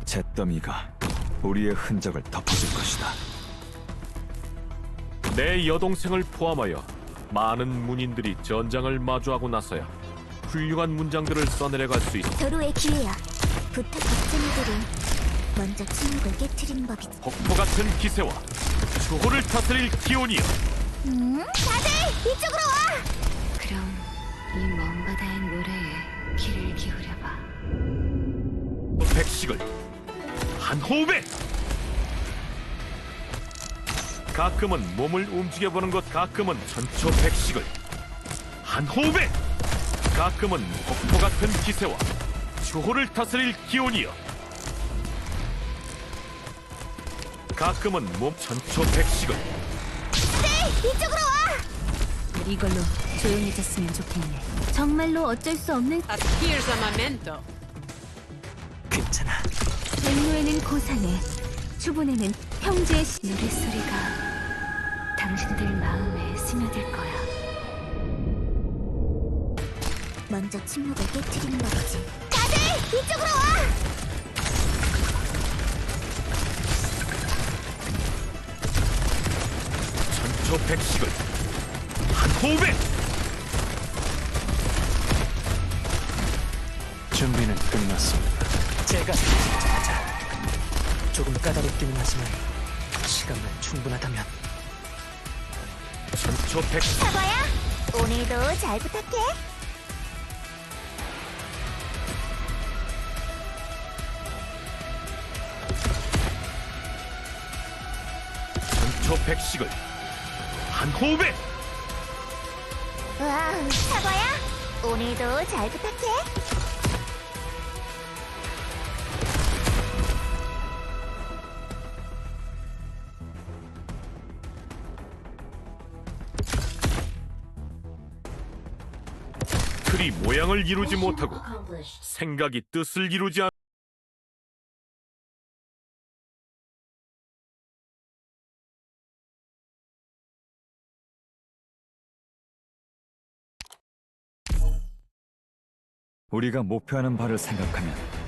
잿더미가 우리의 흔적을 덮어줄 것이다. 내 여동생을 포함하여 많은 문인들이 전장을 마주하고 나서야 훌륭한 문장들을 써내려갈 수 있어. 도로의 기회야. 부탁 걱정이들은 먼저 침묵을 깨트리는 법이지. 폭포 같은 기세와 주호를 다스릴 기온이여. 다들 이쪽으로 와! 그럼 이 먼 바다의 노래에 귀를 기울여봐. 백식을 한 호흡에. 가끔은 몸을 움직여보는 것, 가끔은 전초 백식을 한 호흡에. 가끔은 폭포 같은 기세와 주호를 다스릴 기온이여. 가끔은 몸 전초 백식을. 이쪽으로 와! 이걸로 조용해졌으면 좋겠네. 정말로 어쩔 수 없는 Here's a memento. 괜찮아. 백로에는 고산에, 추분에는 형제의 노랫소리가 당신들 마음에 스며들 거야. 먼저 침묵을 깨트리는 법이지. 다들 이쪽으로 와! 전초 백식을 한 호흡에. 준비는 끝났습니다. 제가 하자. 조금 까다롭기는 하지만 시간만 충분하다면. 전초 백식. 사과야, 오늘도 잘 부탁해. 전초 백식을 한 호흡에. 와, 사과야, 오늘도 잘 부탁해. 틀이 모양을 이루지 못하고 생각이 뜻을 이루지 않. 우리가 목표하는 바를 생각하면